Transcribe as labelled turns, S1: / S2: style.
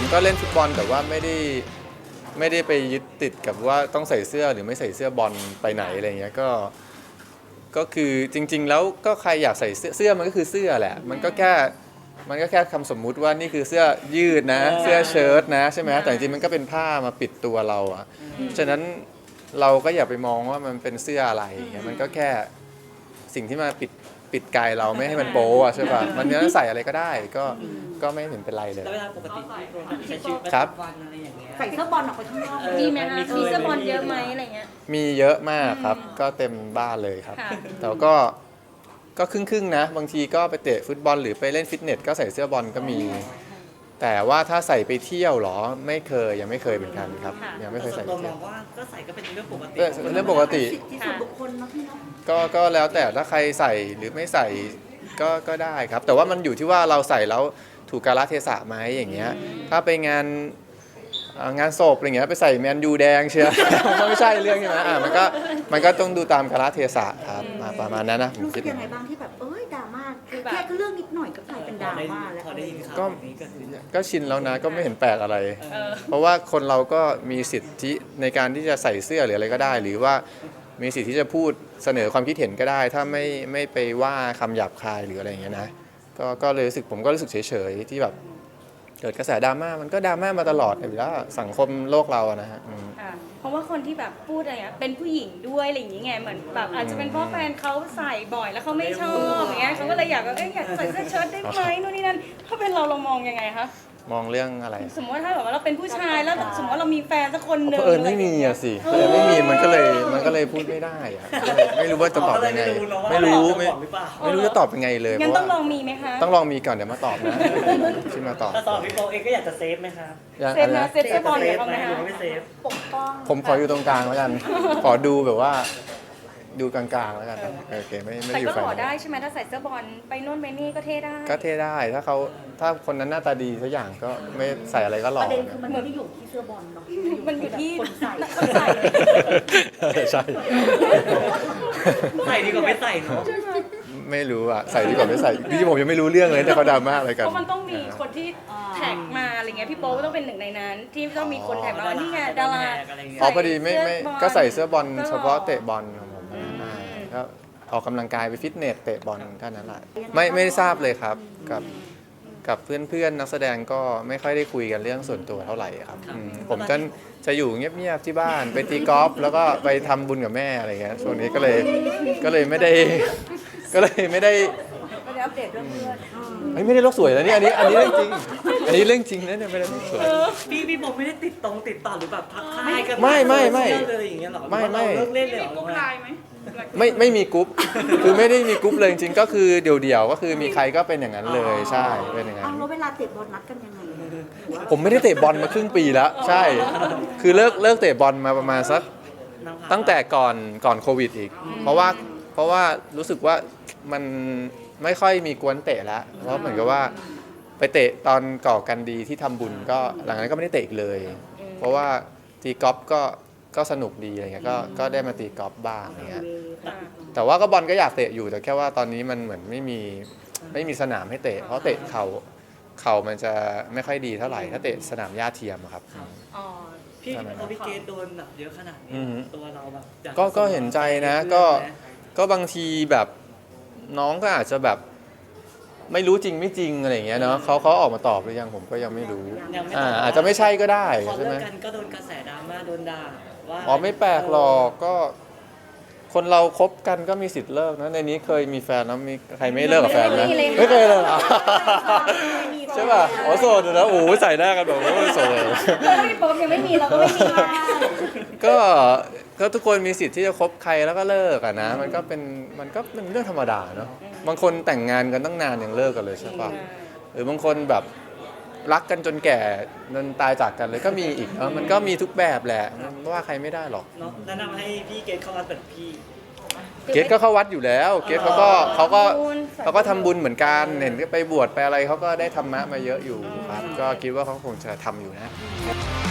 S1: ผมก็เล่นฟุตบอลแต่ว่าไม่ได้ไปยึดติดกับว่าต้องใส่เสื้อหรือไม่ใส่เสื้อบอลไปไหนอะไรเงี้ยก็คือจริงๆแล้วก็ใครอยากใส่เสื้อมันก็คือเสื้อแหละมันก็แค่คำสมมุติว่านี่คือเสื้อยืดนะเสื้อเชิ้ตนะใช่ไหมแต่จริงๆมันก็เป็นผ้ามาปิดตัวเราอ่ะฉะนั้นเราก็อย่าไปมองว่ามันเป็นเสื้ออะไรมันก็แค่สิ่งที่มาปิดกายเราไม่ให้มันโป๊ะใช่ป่ะมันจะใส่อะไรก็ได้ก็ไม่เห็นเป็นไรเลย
S2: แล้วเวลาปกติที่โปรใช้ชีวิตประจำวันอะไรอย่างเงี้ย
S3: ใส่เสื้อบอลออกไปข้างนอก
S4: มีไหมคะมีเสื้อบอลเยอะไหมอะไรเงี้ย
S1: มีเยอะมากครับก็เต็มบ้านเลยครับแต่ก็ครึ่งๆนะบางทีก็ไปเตะฟุตบอลหรือไปเล่นฟิตเนสก็ใส่เสื้อบอลก็มีแต่ว่าถ้าใส่ไปเที่ยวหรอยังไม่เคยเหมือนกันครับยังไม่เคยใส่
S2: ตัวม
S1: ไปเที่ย
S2: อ
S1: ว
S2: งว่าก็ใส่ก็เป็นเรื่องปกติ
S1: เป็นเรื่องปกติ
S3: ที่ส่วนบุคคลเนาะพี่เนาะ
S1: ก็แล้วแต่ถ้าใครใส่หรือไม่ใส่ก็ได้ครับแต่ว่ามันอยู่ที่ว่าเราใส่แล้วถูกกาลเทศะไหมอย่างเงี้ยถ้าไปงานศพอะไรเงี้ยไปใส่แมนยูแดงเชียว มันไม่ใช่เรื่องใช่ไหมมันก็ต้องดูตามกาลเทศะครับประมาณนั้นนะผม
S3: รู้สึ
S1: คิ
S3: ก
S1: ด
S3: ยังไงบ้างที่แบบดราม่าแค่เรื่องนิดหน่อยก็กลายเป็นดราม่าแล้ว
S2: พอได้ยินข่าว
S1: ก็
S2: นี้ก็คือ
S1: ก็ชินแล้วนะก็ไม่เห็นแปลกอะไร เพราะว่าคนเราก็มีสิทธิในการที่จะใส่เสื้อหรืออะไรก็ได้ หรือว่ามีสิทธิที่จะพูดเสนอความคิดเห็นก็ได้ ถ้าไม่ไปว่าคำหยาบคายหรืออะไรอย่างเงี้ยนะก็เลยรู้สึกผมก็รู้สึกเฉยๆที่แบบเกิดกระแสดราม่ามันก็ดราม่ามาตลอดอยู่แล้วสังคมโลกเราอะนะฮะ
S4: เพราะว่าคนที่แบบพูดอะไรเงี้ยเป็นผู้หญิงด้วยอะไรอย่างเงี้ยเหมือนแบบอาจจะเป็นเพราะแฟนเขาใส่บ่อยแล้วเขาไม่ชอบอย่างเงี้ยเขาก็เลยอยากแบบอยากใส่เสื้อเชิ้ตได้ไหมนู่นนี่นั่นถ้าเป็นเรามองยังไงคะ
S1: มองเรื่องอะไร
S4: สมมติว่าถ้าแบบว่าเราเป็นผู้ชายแล้วสมมติว่าเรามีแฟนสักคนหนึ่ง
S1: ไม่มีอะสิไม่มีมันก็เลยพูดไม่ได้อะไม่รู้ว่าจะตอบยังไงไม่รู้จะตอบยังไงเลย
S4: งั้นต้องลองมีไหมคะ
S1: ต้องลองมีก่อนเดี๋ยวมาตอบนะชิมมาตอบ
S2: แต่ตอนพี่โปเองก็อยากจะเซฟไหมครับ
S4: เซฟนะเซฟเสื้อบอลเดี๋ยวเขาไหมคะ
S2: ไม่เซฟ
S3: ปกป้อง
S1: ผมขออยู่ตรงกลางแล้วกันขอดูแบบว่าดูกลางๆแล้วกันโอเคไม่
S4: แต่
S1: อยู่
S4: ก็
S1: ฝั่ง
S4: หล่อได้ใช่ไหมถ้าใส่เสื้อบอลไปโน่นไปนี่ก็เท่ได้
S1: ก็เท่ได้ถ้าคนนั้นหน้าตาดีสักอย่างก็ไม่ใส่อะไรก็หล่อ
S3: ประเด็นคือมันไม่ได้อยู่ที่เสื้อบอลเนาะ
S4: มันอยู่ที่
S3: คนใส่
S1: ใช่
S2: ใส่ดีกว่าไม่ใส่เนาะ
S1: ไม่รู้อ่ะใส่ดีกว่าไม่ใส่พี่ผมยังไม่รู้เรื่องเลยแต่เขาดราม่าอะไรกัน
S4: เพราะมันต้องมีคนที่แท็กมาอะไรเงี้ยพี่โป๊ก็ต้องเป็นหนึ่งในนั้นที่ต้องมีคนแท็กมาว่านี่ไงดารา
S1: พอดีไม่ก็ใส่เสื้อบอลเฉพาะเตะบอลของผมก็ออกกำลังกายไปฟิตเนสเตะบอลแค่นั้นแหละไม่ทราบเลยครับกับเพื่อนๆนักแสดงก็ไม่ค่อยได้คุยกันเรื่องส่วนตัวเท่าไหร่ครับผมจะอยู่เงียบๆที่บ้านไปตีกอล์ฟแล้วก็ไปทำบุญกับแม่อะไรเงี้ยช่วงนี้ก็เลยไม่ได้
S3: ไม่ได้อัปเดตเรื่องเพื่อน
S1: ไม่ได้โลกสวยแล้วนี่อันนี้เรื่องจริงเรื่องจริงนะเนี่ยไม่ได้โลกสวย
S2: พี่โปไม่ได้ติดต่อหรือแบบทักทายกัน
S1: ไม่
S2: เลยอย่างเงี้ยหรอไม่เลิกเล่นเลยหรอ
S1: ไม่มีกรุ๊ปคือไม่ได้มีกรุ๊ปเลยจริงๆก็คือเดี่ยวๆก็คือมีใครก็เป็นอย่างนั้นเลยใช่เป็นอย่างนั้น
S3: แล้วเวลาเตะบอลนัดกันยังไง
S1: ผมไม่ได้เตะบอลมาครึ่งปีแล้วใช่คือเลิกเตะบอลมาประมาณสักตั้งแต่ก่อนโควิดอีกเพราะว่ารู้สึกว่ามันไม่ค่อยมีกวนเตะแล้วเพราะเหมือนกับว่าไปเตะตอนก่อกันดีที่ทำบุญก็หลังจากนั้นก็ไม่ได้เตะอีกเลยเพราะว่าตีกอล์ฟก็สนุกดีอะไรเงี้ยก็ได้มาตีกอล์ฟบ้างอะไรเงี้ยแต่ว่าก็บอลก็อยากเตะอยู่แต่แค่ว่าตอนนี้มันเหมือนไม่มีสนามให้เตะเพราะเตะเข่ามันจะไม่ค่อยดีเท่าไหร่ถ้าเตะสนามหญ้าเทียมครับ
S2: พี่เกดโดนแบบเยอะขนาดนี้ตัวเราแบบ
S1: ก็เห็นใจนะก็บางทีแบบน้องก็อาจจะแบบไม่รู้จริงไม่จริงอะไรอย่างเงี้ยเนาะเขาออกมาตอบหรือยังผมก็ยังไม่รู้อาจจะไม่ใช่ก็ได้ใช่ไหม
S2: กันก็โดนกระแสดราม่าโดนด่าว่า
S1: ไม่แปลกหรอกก็คนเราคบกันก็มีสิทธิ์เลิกนะในนี้เคยมีแฟนแล้วมีใครไม่เลิกกับแฟนไหมไม่เคยเลยใช่ป่ะโสดนะโอ้ใส่หน้ากันแบบว่าโสด
S4: พี่โป๊ยังไม่มีเราก็ไม่มี
S1: ก็ทุกคนมีสิทธิ์ที่จะคบใครแล้วก็เลิกอะนะมันก็เป็นเรื่องธรรมดาเนาะบางคนแต่งงานกันตั้งนานยังเลิกกันเลยใช่ป่ะหรือบางคนแบบรักกันจนแก่จนตายจากกันเลยก็มีอีกมันก็มีทุกแบบแหละว่าใครไม่ได้หรอก
S2: เนาะแนะนำให้พี่เกดเข้าวัดแบบพี่
S1: เกดก็เข้าวัดอยู่แล้วเกดเขาก็ทำบุญเหมือนกันเห็นก็ไปบวชไปอะไรเขาก็ได้ธรรมะมาเยอะอยู่ครับก็คิดว่าเขาคงจะทำอยู่นะ